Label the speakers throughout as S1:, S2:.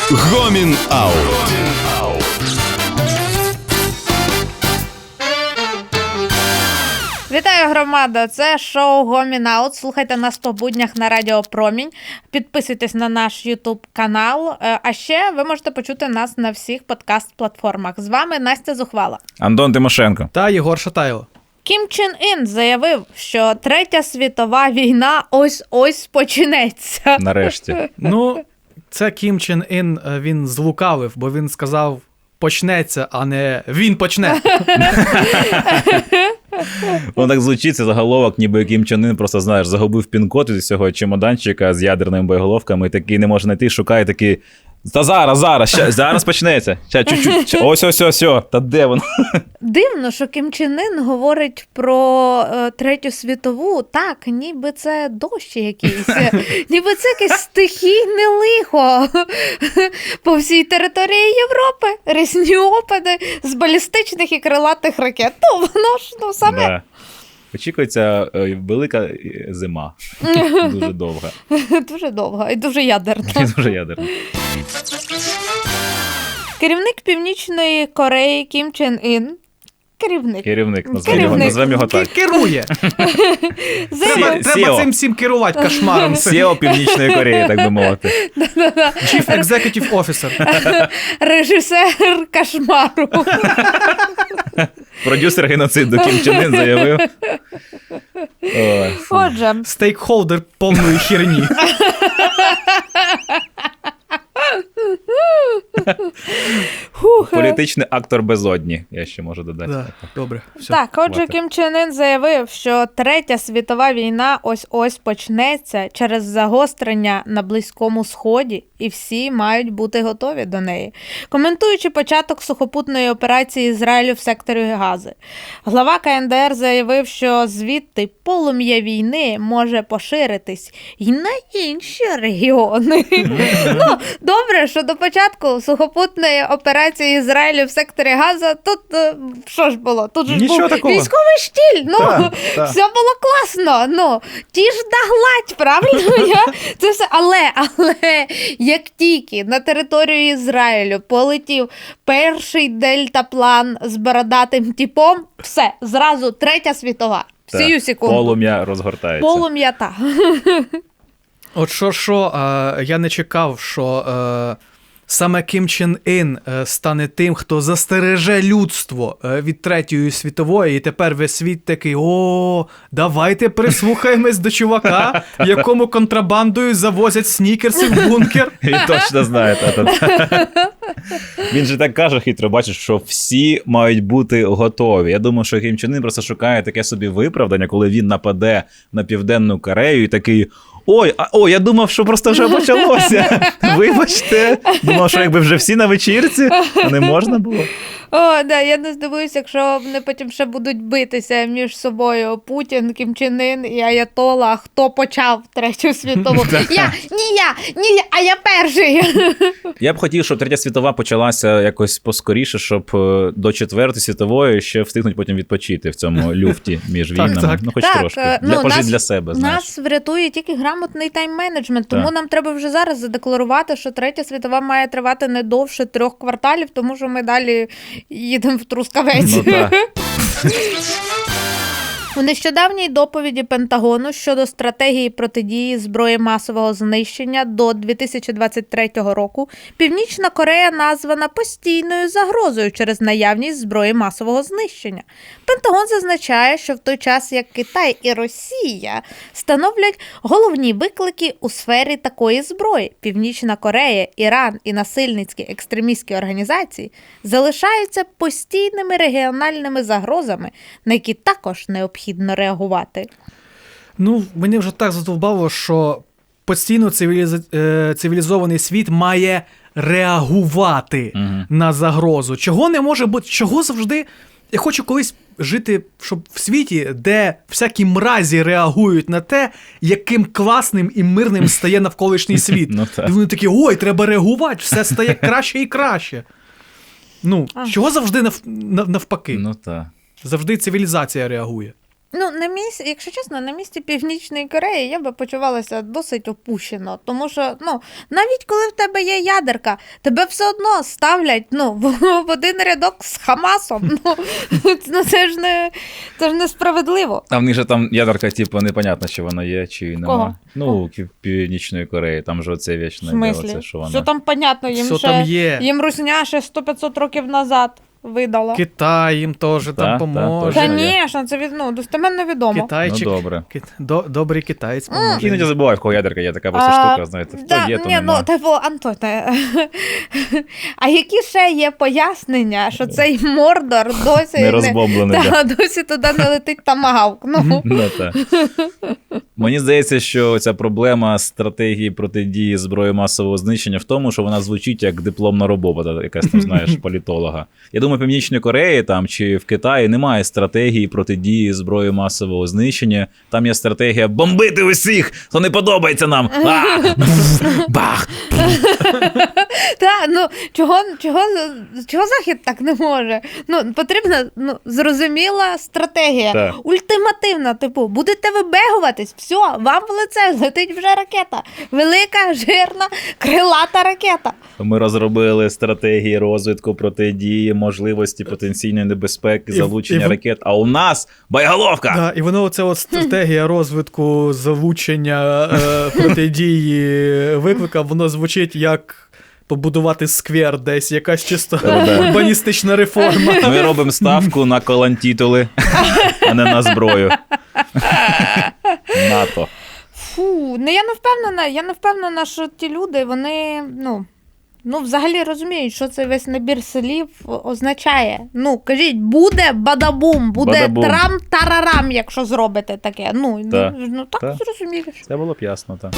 S1: Гомін Аут.
S2: Вітаю, громада! Це шоу Гомін Аут. Слухайте нас по буднях на Радіо Промінь. Підписуйтесь на наш YouTube-канал. А ще ви можете почути нас на всіх подкаст-платформах. З вами Настя Зухвала.
S3: Антон Тимошенко.
S4: Та Єгор Шатайло.
S2: Кім Чен Ін заявив, що Третя світова війна ось-ось почнеться.
S3: Нарешті.
S4: Ну, це Кім Чен Ін, він злукавив, бо він сказав почнеться, а не він почне.
S3: Воно так звучить, це заголовок, ніби Кім Чен Ін просто, знаєш, загубив пін-код із цього чемоданчика з ядерними боєголовками, і такий не може знайти, шукає такий, та зараз почнеться. Чуть-чуть, ось, та де воно?
S2: Дивно, що Кім Чен Ін говорить про Третю світову, так, ніби це дощ якийсь, ніби це якесь стихійне лихо по всій території Європи, різні опади з балістичних і крилатих ракет. Ну, воно ж, саме.
S3: Да. Очікується велика зима, дуже довга.
S2: Дуже довга і дуже ядерна.
S3: І дуже ядерна.
S2: Керівник Північної Кореї Кім Чен Ін,
S3: Керівник, назвемо його так.
S4: Керує. Треба цим всім керувати кошмаром.
S3: SEO Північної Кореї, так би мовити.
S4: Chief Executive Officer.
S2: Режисер кошмару.
S3: Продюсер геноциду Кім Чен Ін заявив.
S2: Отже.
S4: Стейкхолдер повної херні.
S3: Політичний актор безодні, я ще можу додати.
S4: Да, добре, все.
S2: Так, отже, Кім Чен Ін заявив, що Третя світова війна ось-ось почнеться через загострення на Близькому Сході, і всі мають бути готові до неї. Коментуючи початок сухопутної операції Ізраїлю в секторі Гази, глава КНДР заявив, що звідти полум'я війни може поширитись і на інші регіони. Ну, добре, що до початку сухопутної операції Ізраїлю в секторі Газа тут, що ж було? Тут ж був військовий штіль, все було класно, ті ж догладь, правильно? Це все, але як тільки на територію Ізраїлю полетів перший дельтаплан з бородатим типом, все, зразу Третя світова. Сію секунду.
S3: Полум'я розгортається.
S2: Полум'я, так.
S4: От що, я не чекав, що саме Кім Чен Ін стане тим, хто застереже людство від Третьої світової, і тепер весь світ такий, давайте прислухаємось до чувака, якому контрабандою завозять снікерси в бункер.
S3: Він точно знає. Він же так каже хитро, бачиш, що всі мають бути готові. Я думаю, що Кім Чен Ін просто шукає таке собі виправдання, коли він нападе на Південну Корею і такий, я думав, що просто вже почалося. Вибачте. Думав, що якби вже всі на вечірці, а не можна було.
S2: Я не здивуюся, якщо вони потім ще будуть битися між собою Путін, Кім Чен Ін і Аятола, хто почав Третю світову. А я перший.
S3: Я б хотів, щоб Третя світова почалася якось поскоріше, щоб до Четвертої світової ще встигнуть потім відпочити в цьому люфті між війнами. Ну, хоч трошки. Пожити для себе, знаєш.
S2: Нас врятує тільки грамотний тайм-менеджмент, тому нам треба вже зараз задекларувати, що Третя світова має тривати не довше 3 кварталів, тому що ми далі їдемо в Трускавець. У нещодавній доповіді Пентагону щодо стратегії протидії зброї масового знищення до 2023 року Північна Корея названа постійною загрозою через наявність зброї масового знищення. Пентагон зазначає, що в той час, як Китай і Росія становлять головні виклики у сфері такої зброї, Північна Корея, Іран і насильницькі екстремістські організації залишаються постійними регіональними загрозами, на які також необхідно реагувати.
S4: Ну, мені вже так задовбало, що постійно цивілізований світ має реагувати на загрозу. Чого не може бути? Чого завжди? Я хочу колись жити, щоб в світі, де всякі мразі реагують на те, яким класним і мирним стає навколишній світ. І вони такі, треба реагувати, все стає краще і краще. Чого завжди навпаки?
S3: Ну так.
S4: Завжди цивілізація реагує.
S2: Ну, якщо чесно, на місці Північної Кореї я би почувалася досить опущено, тому що, навіть коли в тебе є ядерка, тебе все одно ставлять, в один рядок з Хамасом. Це ж несправедливо.
S3: А в них же там ядерка, непонятно, чи вона є, чи нема.
S2: Кого?
S3: Ну, Північної Кореї, там же оце вічне
S2: В смислі?
S3: діло, це, що вона...
S2: Все там понятно,
S4: Все там є.
S2: їм русня ще 100-500 років назад видала.
S4: Китай їм теж там поможе.
S3: точно.
S2: Звісно, це достеменно відомо.
S4: Китайчик.
S3: Ну, добре.
S4: Добрий китаєць поможе.
S3: Іноді забуваю, в кого ядерка є, така просто штука, знаєте, хто є, то нема.
S2: Антоне, а які ще є пояснення, що цей Мордор досі
S3: Не розбомблений, да.
S2: досі туди не летить тамагавк?
S3: Ну, так. Мені здається, що ця проблема стратегії протидії зброї масового знищення в тому, що вона звучить як дипломна робота, якась там, знаєш, політолога. Я думаю, в Північній Кореї там, чи в Китаї немає стратегії протидії зброї масового знищення. Там є стратегія бомбити усіх, хто не подобається нам. Бах!
S2: Так, чого Захід так не може? Потрібна зрозуміла стратегія.
S3: Так.
S2: Ультимативна, будете вибегуватись, все, вам в лице летить вже ракета. Велика, жирна, крилата ракета.
S3: Ми розробили стратегії розвитку протидії, можливості потенційної небезпеки, залучення ракет. А у нас боєголовка!
S4: Да, і воно оце стратегія розвитку, залучення протидії виклика, воно звучить як побудувати сквер десь, якась чисто урбаністична реформа.
S3: Ми робимо ставку на колантітули, а не на зброю. НАТО.
S2: Фу, я не впевнена, що ті люди, вони, взагалі розуміють, що цей весь набір слів означає. Кажіть, буде бадабум, буде
S3: Бадабум.
S2: трам-тарарам, якщо зробите таке. Так зрозуміло.
S3: Це було б ясно, так.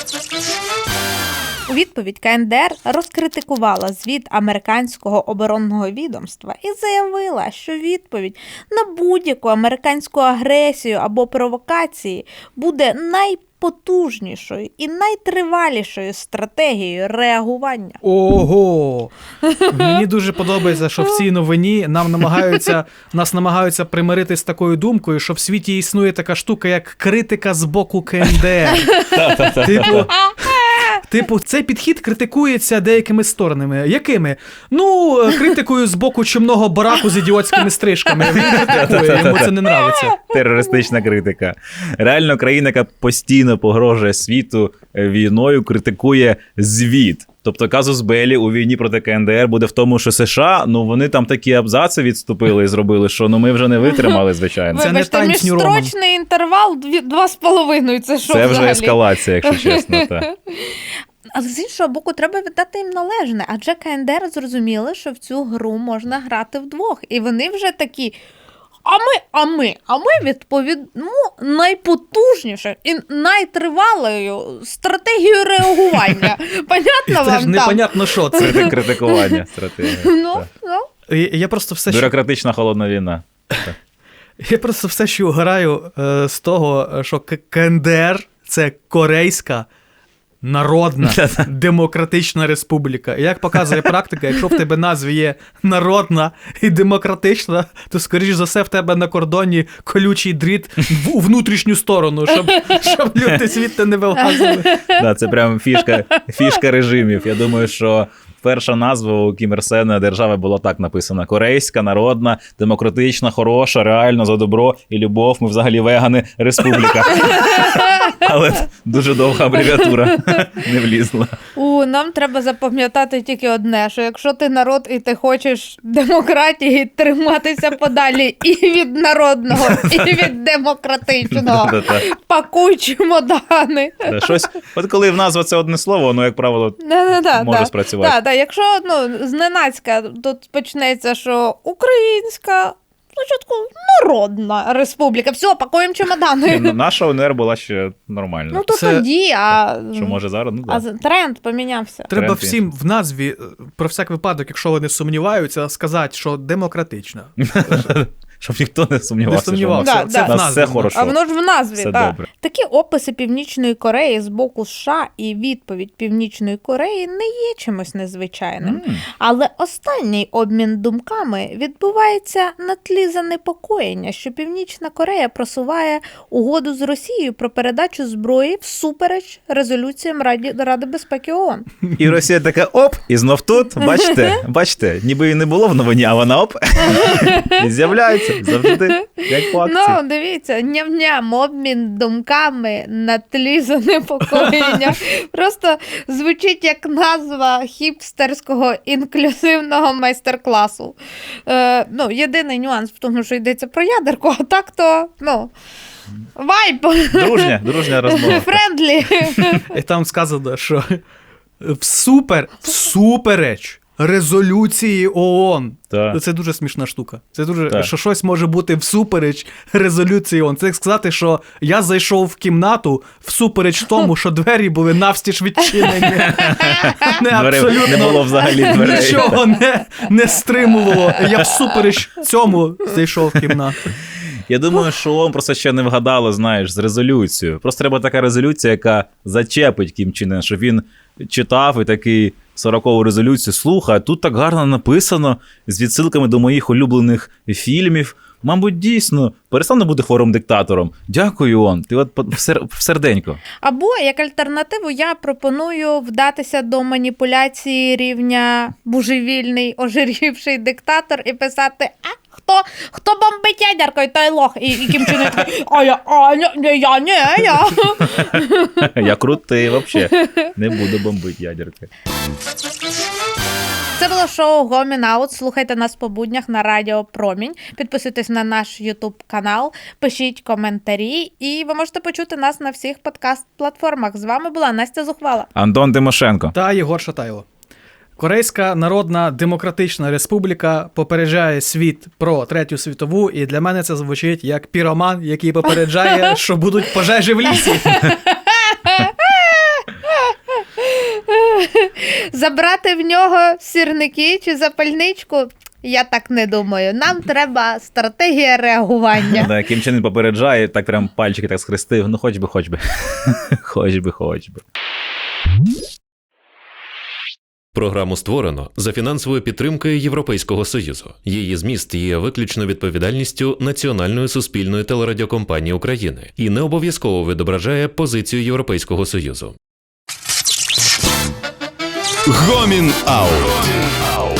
S2: У відповідь КНДР розкритикувала звіт американського оборонного відомства і заявила, що відповідь на будь-яку американську агресію або провокації буде найпотужнішою і найтривалішою стратегією реагування.
S4: Ого! Мені дуже подобається, що в цій новині нас намагаються примирити з такою думкою, що в світі існує така штука, як критика з боку КНДР. Типу, цей підхід критикується деякими сторонами. Якими? Критикою з боку чумного бараку з ідіотськими стрижками. Він критикує, йому це не нравиться.
S3: Терористична критика. Реально, країна, яка постійно погрожує світу війною, критикує звіт. Тобто казус Беллі у війні проти КНДР буде в тому, що США, вони там такі абзаци відступили і зробили, що ми вже не витримали, звичайно.
S4: Це не
S2: Вибачте,
S4: Times New Roman.
S2: міжстрочний інтервал 2,5, це що
S3: Це
S2: взагалі?
S3: вже ескалація, якщо чесно. Так.
S2: Але з іншого боку, треба віддати їм належне, адже КНДР зрозуміли, що в цю гру можна грати вдвох. І вони вже такі, а ми відповімо найпотужніше і найтривалою стратегією реагування. Понятно вам
S4: Це
S2: там?
S4: ж непонятно, що це.
S3: Це критикування стратегії.
S4: Я просто все,
S3: Бюрократична холодна війна.
S4: Я просто все ще угораю з того, що КНДР – це Корейська Народна Демократична Республіка. І як показує практика, якщо в тебе назві є народна і демократична, то, скоріш за все, в тебе на кордоні колючий дріт у внутрішню сторону, щоб люди звідти не вилазили.
S3: Да, це прям фішка режимів. Я думаю, що перша назва у Кім Ір Сена держави була так написана: Корейська, народна, демократична, хороша, реально за добро і любов. Ми взагалі вегани, республіка. Але дуже довга абревіатура не влізла.
S2: Нам треба запам'ятати тільки одне, що якщо ти народ і ти хочеш демократії, триматися подалі і від народного, і від демократичного. Пакуй чемодани.
S3: Щось, от коли в назва це одне слово, воно, як правило, може спрацювати.
S2: Так, якщо зненацька тут почнеться, що українська, спочатку народна республіка, все, пакуємо чемодани.
S3: Наша УНР була ще нормальна.
S2: То тоді,
S3: Що може зараз?
S2: А тренд помінявся.
S4: Треба всім в назві, про всяк випадок, якщо вони сумніваються, сказати, що демократична.
S3: щоб ніхто не сумнівався,
S4: Не
S3: що у нас,
S4: сумнівався.
S2: Да,
S3: у
S2: да.
S3: нас все хорошо.
S2: А воно ж в назві,
S3: Все
S2: так.
S3: добре.
S2: Такі описи Північної Кореї з боку США і відповідь Північної Кореї не є чимось незвичайним. Але останній обмін думками відбувається на тлі занепокоєння, що Північна Корея просуває угоду з Росією про передачу зброї всупереч резолюціям Ради безпеки ООН.
S3: І Росія така оп, і знов тут, бачите, ніби і не було в новині, а вона оп, і з'являється завжди, як по акції.
S2: Ну, дивіться, ням-ням, обмін думками на тлі занепокоєння. Просто звучить як назва хіпстерського інклюзивного майстер-класу. Єдиний нюанс в тому, що йдеться про ядерку, а так то, вайб.
S3: Дружня розмова.
S2: Френдлі.
S4: І там сказано, що всупереч резолюції ООН.
S3: Так.
S4: Це дуже смішна штука. Це дуже,
S3: Так.
S4: що щось може бути всупереч резолюції ООН. Це як сказати, що я зайшов в кімнату всупереч тому, що двері були навстіж відчинені. Не абсолютно
S3: Не було взагалі дверей.
S4: нічого не стримувало. Я всупереч цьому зайшов в кімнату.
S3: Я думаю, що ООН просто ще не вгадало, знаєш, з резолюцією. Просто треба така резолюція, яка зачепить Кім Чен Ен, щоб він читав і такий 40-ту резолюцію, слухай, тут так гарно написано, з відсилками до моїх улюблених фільмів. Мабуть, дійсно, перестану бути хворим-диктатором. Дякую, ООН, ти от в серденько.
S2: Або, як альтернативу, я пропоную вдатися до маніпуляції рівня божевільний, ожирівший диктатор і писати, хто бомбить ядеркою, той лох. І Кім Чен Ен такий, я.
S3: Я крутий, взагалі. Не буду бомбити ядеркою.
S2: Це було шоу Гомін Аут. Слухайте нас по буднях на Радіо Промінь. Підписуйтесь на наш YouTube-канал, пишіть коментарі, і ви можете почути нас на всіх подкаст-платформах. З вами була Настя Зухвала.
S3: Антон Тимошенко.
S4: Та Єгор Шатайло. Корейська Народна Демократична Республіка попереджає світ про Третю світову, і для мене це звучить як піроман, який попереджає, що будуть пожежі в лісі.
S2: Забрати в нього сірники чи запальничку? Я так не думаю. Нам треба стратегія реагування.
S3: Да, Кім Чен Ен попереджає, так прям пальчики так схрестив. Ну, хоч би. Хоч би.
S1: Програму створено за фінансовою підтримкою Європейського Союзу. Її зміст є виключно відповідальністю Національної суспільної телерадіокомпанії України і не обов'язково відображає позицію Європейського Союзу.
S3: Гомін Аут.